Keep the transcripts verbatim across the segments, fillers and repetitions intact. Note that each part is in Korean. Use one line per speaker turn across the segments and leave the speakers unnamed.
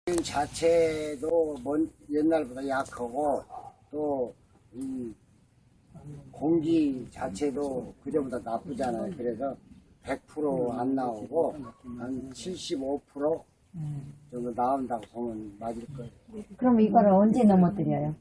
자체도 먼, 옛날보다 약하고 또 이 공기 자체도 그전보다 나쁘잖아요. 그래서 백 퍼센트 안 나오고 한 칠십오 퍼센트 정도 나온다고 보면 맞을 거예요.
그럼 이거를 언제 넘어뜨려요?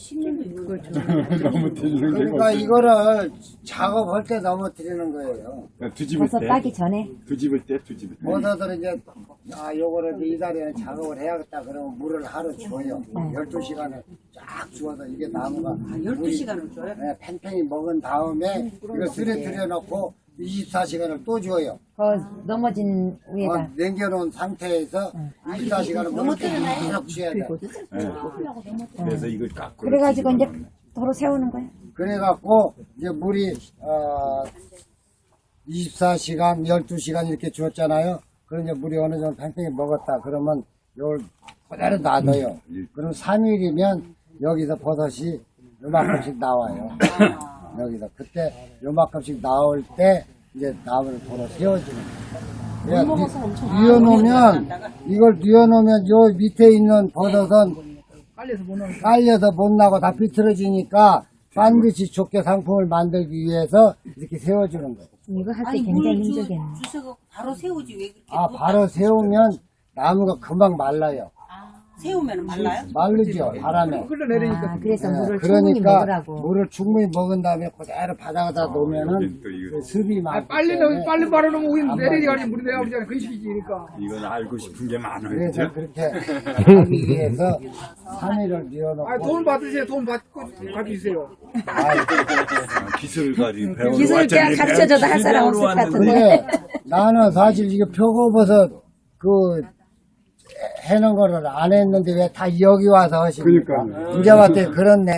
그러니까 이거를 작업할 때 넘어뜨리는 거예요.
뒤집을
버섯
때.
따기 전에?
뒤집을 때, 뒤집을 때.
버섯을 이제 아 요거를 이제 이 달에는 작업을 해야겠다 그러면 물을 하루 줘요. 열두 시간을 쫙 주어서 이게 나무가
열두 시간을 줘요?
네, 팽팽히 먹은 다음에 이거 쓰레트려 놓고 이십사 시간을 또 줘요.
그 넘어진 위에다.
어, 남겨놓은 상태에서 이십사 시간을 물을 계속 줘야 돼.
그래서 이걸 깎고.
그래가지고 이제 도로 세우는 거예요?
그래갖고 이제 물이 어, 이십사 시간, 열두 시간 이렇게 주었잖아요. 그럼 이제 물이 어느 정도 팽팽히 먹었다 그러면 요걸 그대로 놔둬요. 그럼 삼 일이면 여기서 버섯이 요만큼씩 나와요. 여기서 그때 요만큼씩 나올 때 이제 나무를 도로 세워주는 거예요. 뉘어놓으면 이걸 뉘어놓으면 요 밑에 있는 버섯은 깔려서 못 나고 다 비틀어지니까 반드시 좋게 상품을 만들기 위해서 이렇게 세워주는 거예요.
이거 할 때
아니
굉장히
물 주-
힘들겠네.
주셔서 바로 세우지 왜 그렇게
아
또
바로 세우면 나무가 금방 말라요.
세우면 말라요?
마르죠 바람에.
아, 그래서
네,
물을 충분히
그러니까
먹으라고.
물을 충분히 먹은 다음에 그대로 바닥에다 놓으면은
또 이거-
그 습이 많기
빨리
때문에
넣, 빨리 말아놓으면 우리
안
내리가지 물이 내려오잖아. 그 식이니까.
이건 알고 싶은 게 많아요.
그래서
그죠?
그렇게 하기 위해서 삼 일을
아,
뉘어놓고
돈 받으세요. 돈 받고 가지세요.
아, 기술까지 배우러
기술
왔잖아요.
내가 가르쳐줘도 할 사람 없을 것 같은데.
근데 나는 사실 이게 표고버섯 그 해놓은 거를 안 했는데 왜 다 여기 와서 하십니까?
그러니까요.
이제 봤더니 그런 내